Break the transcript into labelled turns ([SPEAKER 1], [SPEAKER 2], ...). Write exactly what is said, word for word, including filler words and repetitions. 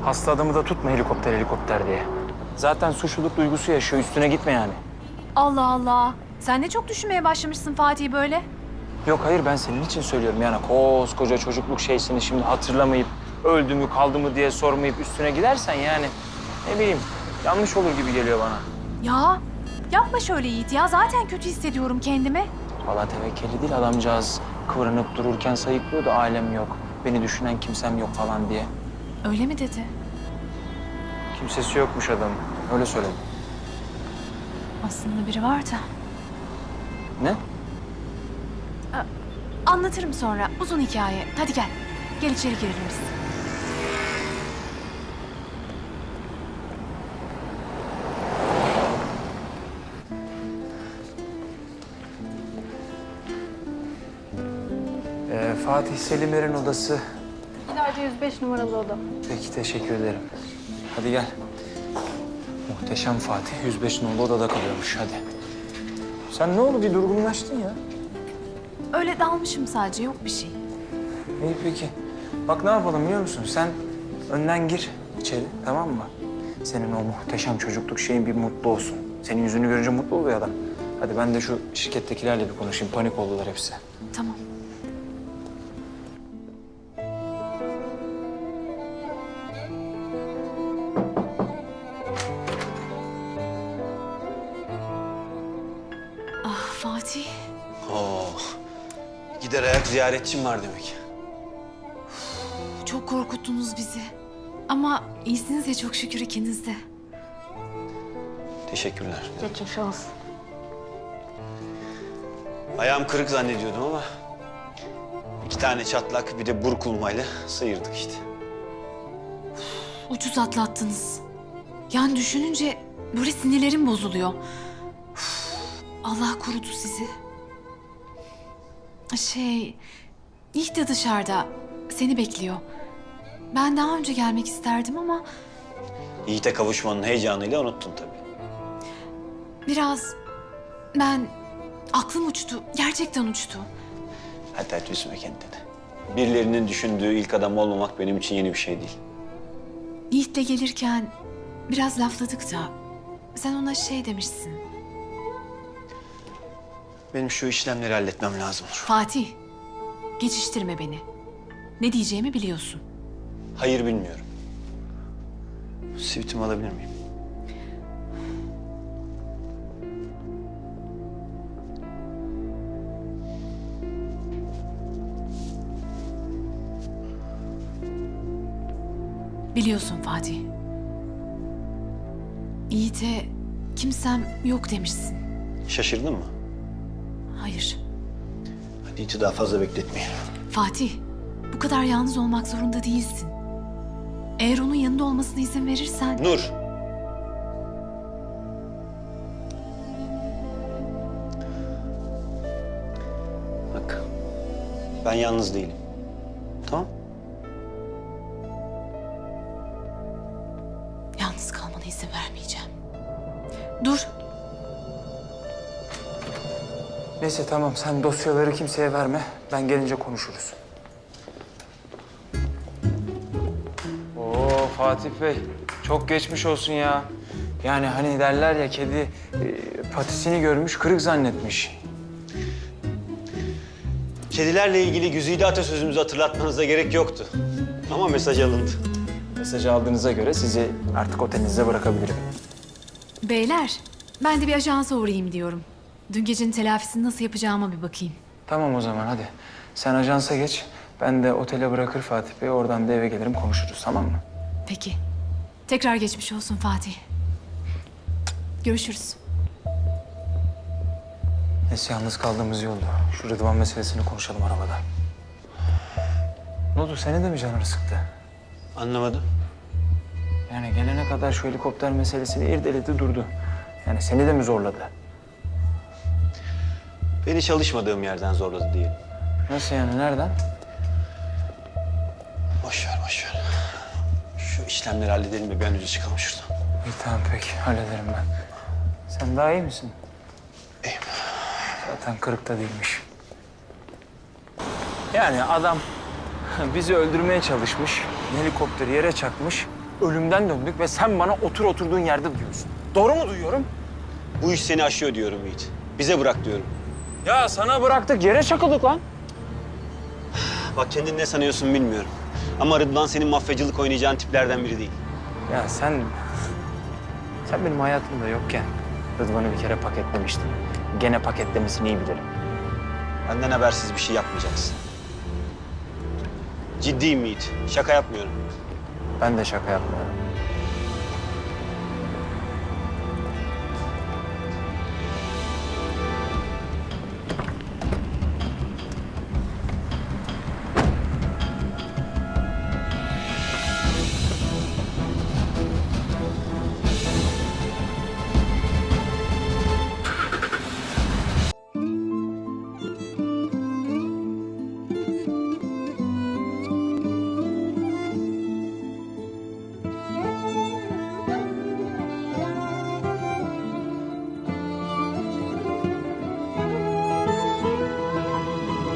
[SPEAKER 1] Hasta adamı da tutma helikopter helikopter diye. Zaten suçluluk duygusu yaşıyor. Üstüne gitme yani.
[SPEAKER 2] Allah Allah. Sen ne çok düşünmeye başlamışsın Fatih böyle.
[SPEAKER 1] Yok hayır ben senin için söylüyorum yani koskoca çocukluk şeysini şimdi hatırlamayıp öldü mü kaldı mı diye sormayıp üstüne gidersen yani ne bileyim yanlış olur gibi geliyor bana.
[SPEAKER 2] Ya yapma şöyle Yiğit ya. Zaten kötü hissediyorum kendimi.
[SPEAKER 1] Valla tevekkeli değil adamcağız kıvranıp dururken sayıklıyordu ailem yok. Beni düşünen kimsem yok falan diye.
[SPEAKER 2] Öyle mi dedi?
[SPEAKER 1] Kimsesi yokmuş adamın. Öyle söyledi.
[SPEAKER 2] Aslında biri var da.
[SPEAKER 1] Ne?
[SPEAKER 2] Anlatırım sonra. Uzun hikaye. Hadi gel. Gel içeri girelim biz.
[SPEAKER 1] Ee, Fatih Selimler'in odası.
[SPEAKER 3] İleride yüz beş numaralı oda.
[SPEAKER 1] Peki teşekkür ederim. Hadi gel. Muhteşem Fatih yüz beş numaralı odada kalıyormuş hadi. Sen ne oldu bir durgunlaştın ya?
[SPEAKER 2] Öyle dalmışım sadece. Yok bir şey.
[SPEAKER 1] İyi peki. Bak ne yapalım biliyor musun? Sen önden gir içeri tamam mı? Senin o muhteşem çocukluk şeyin bir mutlu olsun. Senin yüzünü görünce mutlu oluyor adam. Hadi ben de şu şirkettekilerle bir konuşayım. Panik oldular hepsi.
[SPEAKER 2] Tamam. Ah Fatih.
[SPEAKER 4] Oo. Gider ayak ziyaretçim var demek.
[SPEAKER 2] Çok korkuttunuz bizi. Ama iyisiniz ya çok şükür ikiniz de.
[SPEAKER 4] Teşekkürler.
[SPEAKER 3] Geçmiş olsun.
[SPEAKER 4] Ayağım kırık zannediyordum ama iki tane çatlak bir de burkulmayla sıyırdık işte.
[SPEAKER 2] Ucuz atlattınız. Yani düşününce böyle sinirlerim bozuluyor. Üf, Allah korudu sizi. Şey, Yiğit de dışarıda. Seni bekliyor. Ben daha önce gelmek isterdim ama
[SPEAKER 4] Yiğit'e kavuşmanın heyecanıyla unuttun tabii.
[SPEAKER 2] biraz ben aklım uçtu. Gerçekten uçtu.
[SPEAKER 4] Hadi hadi üzme kendini. Birilerinin düşündüğü ilk adam olmamak benim için yeni bir şey değil.
[SPEAKER 2] Yiğit'le gelirken biraz lafladık da sen ona şey demişsin.
[SPEAKER 4] Benim şu işlemleri halletmem lazım.
[SPEAKER 2] Fatih, geçiştirme beni. Ne diyeceğimi biliyorsun.
[SPEAKER 4] Hayır bilmiyorum. Sivitimi alabilir miyim?
[SPEAKER 2] Biliyorsun Fatih. Yiğit'e kimsem yok demişsin.
[SPEAKER 4] Şaşırdın mı?
[SPEAKER 2] Hayır.
[SPEAKER 4] Hadi Yiğit'i daha fazla bekletmeyelim.
[SPEAKER 2] Fatih, bu kadar yalnız olmak zorunda değilsin. Eğer onun yanında olmasına izin verirsen...
[SPEAKER 4] Nur! Bak, ben yalnız değilim. Tamam?
[SPEAKER 2] Yalnız kalmana izin vermeyeceğim. Dur.
[SPEAKER 1] Neyse tamam sen dosyaları kimseye verme. Ben gelince konuşuruz. Oo Fatih Bey çok geçmiş olsun ya. Yani hani derler ya kedi e, patisini görmüş kırık zannetmiş.
[SPEAKER 4] Kedilerle ilgili güzide atasözümüzü hatırlatmanıza gerek yoktu. Ama mesaj alındı.
[SPEAKER 1] Mesajı aldığınıza göre sizi artık otelinize bırakabilirim.
[SPEAKER 2] Beyler, ben de bir ajansa uğrayayım diyorum. Dün gecenin telafisini nasıl yapacağıma bir bakayım.
[SPEAKER 1] Tamam o zaman hadi. Sen ajansa geç. Ben de otele bırakır Fatih Bey. Oradan da eve gelirim konuşuruz tamam mı?
[SPEAKER 2] Peki. Tekrar geçmiş olsun Fatih. Görüşürüz.
[SPEAKER 1] Neyse yalnız kaldığımız iyi oldu. Şu Rıdvan meselesini konuşalım arabada. Ne oldu? Senin de mi canını sıktı?
[SPEAKER 4] Anlamadım.
[SPEAKER 1] Yani gelene kadar şu helikopter meselesini irdeledi durdu. Yani seni de mi zorladı?
[SPEAKER 4] Beni çalışmadığım yerden zorladı diyelim.
[SPEAKER 1] Nasıl yani? Nereden?
[SPEAKER 4] Boş ver, boş ver. Şu işlemleri halledelim de bir an önce çıkalım şuradan.
[SPEAKER 1] İyi tamam peki. Hallederim ben. Sen daha iyi misin?
[SPEAKER 4] İyiyim.
[SPEAKER 1] Zaten kırık da değilmiş. Yani adam bizi öldürmeye çalışmış. Helikopteri yere çakmış. ölümden döndük ve sen bana otur oturduğun yerde diyorsun. Doğru mu duyuyorum?
[SPEAKER 4] Bu iş seni aşıyor diyorum Yiğit. Bize bırak diyorum.
[SPEAKER 1] Ya sana bıraktık, yere çakıldık lan.
[SPEAKER 4] Bak kendini ne sanıyorsun bilmiyorum. Ama Rıdvan senin mafyacılık oynayacağın tiplerden biri değil.
[SPEAKER 1] Ya sen... Sen benim hayatımda yokken Rıdvan'ı bir kere paketlemiştin. Gene paketlemesini iyi bilirim.
[SPEAKER 4] Benden habersiz bir şey yapmayacaksın. Ciddiyim Yiğit. Şaka yapmıyorum.
[SPEAKER 1] Ben de şaka yapmıyorum.